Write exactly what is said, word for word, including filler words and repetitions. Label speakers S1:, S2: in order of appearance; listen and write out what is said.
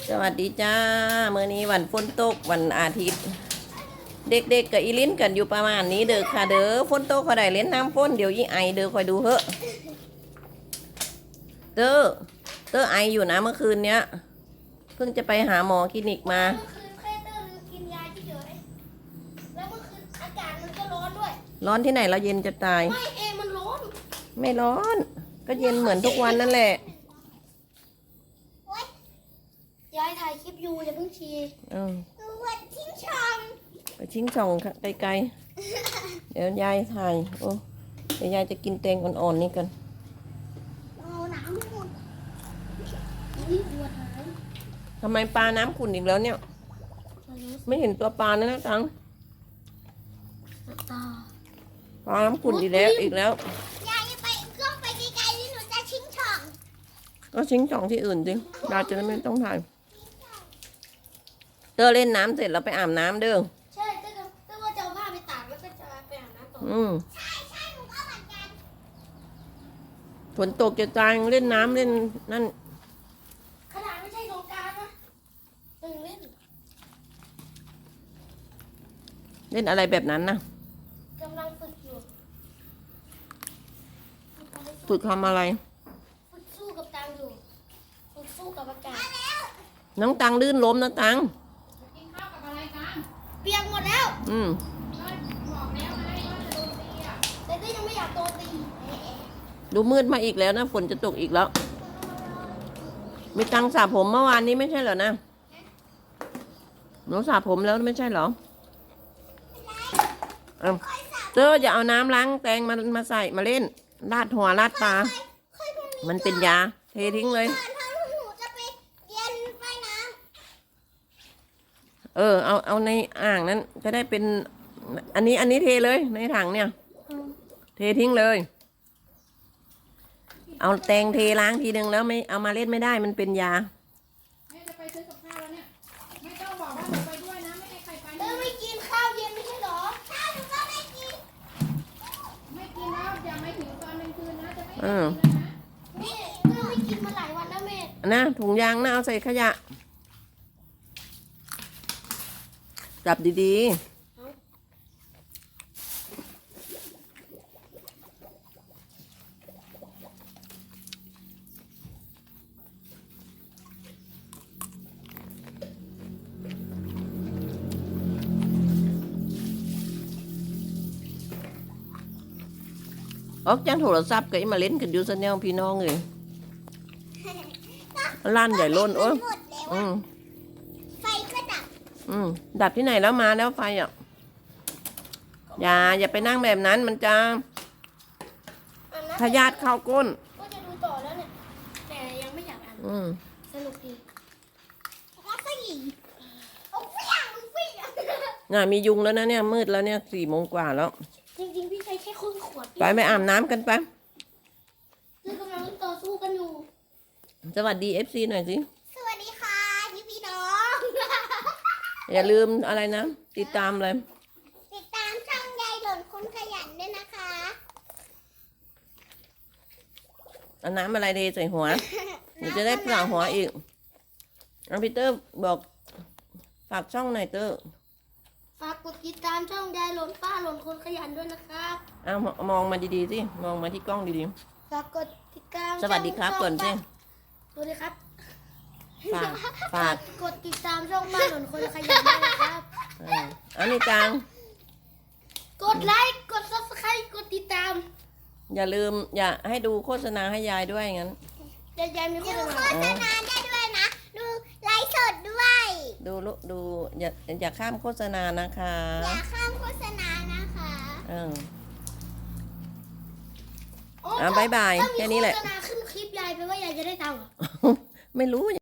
S1: สวัสดีจ้าเมื่อนี้วันฝนตกวันอาทิตย์ เด็กๆกับอีลิ้นกันอยู่ประมาณนี้เด้อค่ะเด้อฝนตกเขาได้เล่นน้ำฝนเดี๋ยวยี่ไอเด้อคอยดูเถอะเด้อเด้อไออยู่นะเมื่อคืนเนี้ยเพิ่งจะไปหาหมอคลินิกมา
S2: เมื่อคืนแค่เตอร์ลืมกินยาเฉยๆแล้วเมื่อคืนอากาศมันก็ร้อนด้วย
S1: ร้อนที่ไหนเราเย็นจะตาย
S2: ไม่เอมันร้อน
S1: ไม่ร้อนก็เย็นเหมือนทุกวันนั่นแหละ
S2: ยายถ่ายคลิปอยู่อย่าเพิ่งชี้
S1: เออ
S2: วันทิ้งช่อง
S1: ไปชิงช่องไกลๆเดี๋ยวยายถ่ายโอ้เดี๋ยวยายจะกินแตงอ่อนๆนี่กัน
S2: เอาน้ำให้หมดนี่ปวดหาย
S1: ทำไมปลาน้ำขุ่นอีกแล้วเนี่ยไม่เห็นตัวปลานะนะตังปลาน้ำขุ่นอีกแล้วอีกแล้ว
S2: ยายจะไปกล้องไปไกลๆนี่หนูจะชิงช่อง
S1: ก็ชิงช่องที่อื่นสิยายจะได้ไม่ต้องถ่ายเตอเล่นน้ำเสร็จแล้วไปอาบน้ำเด้อ
S2: ใช่เตอร์เตอร์ว่าจะเอาผ้าไปตากแล้วก็จะไปอาบน้ำต่อ
S1: อืม
S2: ใช่ใช่หนูก็เหมือนกัน
S1: ฝนตกจะตายเล่นน้ำเล่นนั่น
S2: ขนาดไม่ใช่สงกรานต์นะตึงเล่น
S1: เล่นอะไรแบบนั้นนะ
S2: กำลังฝึกอยู่
S1: ฝึกทำอะไร
S2: ฝึกสู้กับตังอยู่ฝึกสู้กับอากาศ
S1: น้องตังลื่นล้มนะตัง
S2: กินข้าวกับอะไรกันเปียกหมดแล้ว
S1: อืม
S2: บอกแล้วไงว่าจะโดนตีอ่ะแต่ก็ยังไม่อยากโดนตี
S1: ดูมืดมาอีกแล้วนะฝนจะตกอีกแล้วมีตังสระผมเมื่อวานนี้ไม่ใช่เหรอนะหนูสระผมแล้วไม่ใช่เหรอเออเจ้าอย่าเอาน้ำล้างแตงมามาใส่มาเล่นราดหัวราดตามันเป็นยาเททิ้งเลยเออเอาเอาในอ่างนั้นจะได้เป็นอันนี้อันนี้เทเลยในถังเนี่ยเททิ้งเลยเอาแตงเทล้างทีนึงแล้วไม่เอามาเล่นไม่ได้มันเป็นยา
S3: แม่จะไปซื้อกับข้าวแล้วเนี่ยไม่ต้องบอกว่าหนูไปด้วยนะไม่ให้ใครไป
S2: เออไม่กินข้าวเย็นไม่ใช่หรอข้าวหนูก็ไม่กิน
S3: ไม่กินแล้วอย่าไม่ถึงตอนกลางคืนนะจะไม่
S1: เออ
S2: นี่เออไม่กินมาหลายวันแล้วแม่
S1: นะถุงยางนะเอาใส่ขยะจับดีๆออกจากโทรศัพท์ก็มาเล่นกันอยู่ซะแนวพี่น้องเลยล้านใหญ่ล้นโอ้ยอืม
S2: ไฟก็ดับ
S1: อืมดับที่ไหนแล้วมาแล้วไฟอ่ะอย่าอย่าไปนั่งแบบนั้นมันจะทะยานเข้าก้น
S2: ก็จะดูต่อแล้วเนี่ยแต่ยังไม่อยากอ่าน
S1: อืม
S2: สนุกดีแล้วก็ยิงโอ้ยอย่างวิ่ง
S1: น่ะมียุงแล้วนะเนี่ยมืดแล้วเนี่ยสี่โมงกว่าแล้ว
S2: จริงๆพี่ใช้แค่ครึ่งขวด
S1: ไปไปอาบน้ำกันไป
S2: คือกำลังต่อสู้กันอยู่
S1: สวัสดีเอฟซีหน่อยสิ
S2: สวัสดีค่ะพี่พี่น้อง
S1: อย่าลืมอะไรนะติดตามเลย
S2: ติดตามช่องยายหล่นคนขยันด้วยนะคะ
S1: เอาน้ำอะไรเทใส่หัวเดี๋ยวจะได้เปล่าหัวอีกอันพีเตอร์บอกฝากช่องหน่อยเตอร์
S2: ฝากกดติดตามช่องยายหล่นป้าหล่นคนขยันด้วยนะครับ
S1: เอามองมาดีๆสิมองมาที่กล้องดี
S2: ๆฝากกดติดตาม
S1: สวัสดีครับก่อนสิ
S2: สวัสดีครับ
S1: ฝากฝาก
S2: กดติดตามช่องป้าหล่นคนขยันด้วยนะครับ
S1: อันนี้จัง
S2: กดไลค์กดซับสไครต์กดติดตาม
S1: อย่าลืมอย่าให้ดูโฆษณาให้ยายด้วยงั้น
S2: ยายมีโฆษณาโฆษณาได้ด้วยนะดูไลฟ์สดด้วย
S1: ดูดูอย่าอย่าข้ามโฆษณานะคะ
S2: อย่าข้ามโฆษณานะคะ
S1: เอออ่ะบายบายแค่นี้แหละ
S2: โฆษณาขึ้นคลิปยายไปว่ายายจะได้ตังค์
S1: ไม่รู้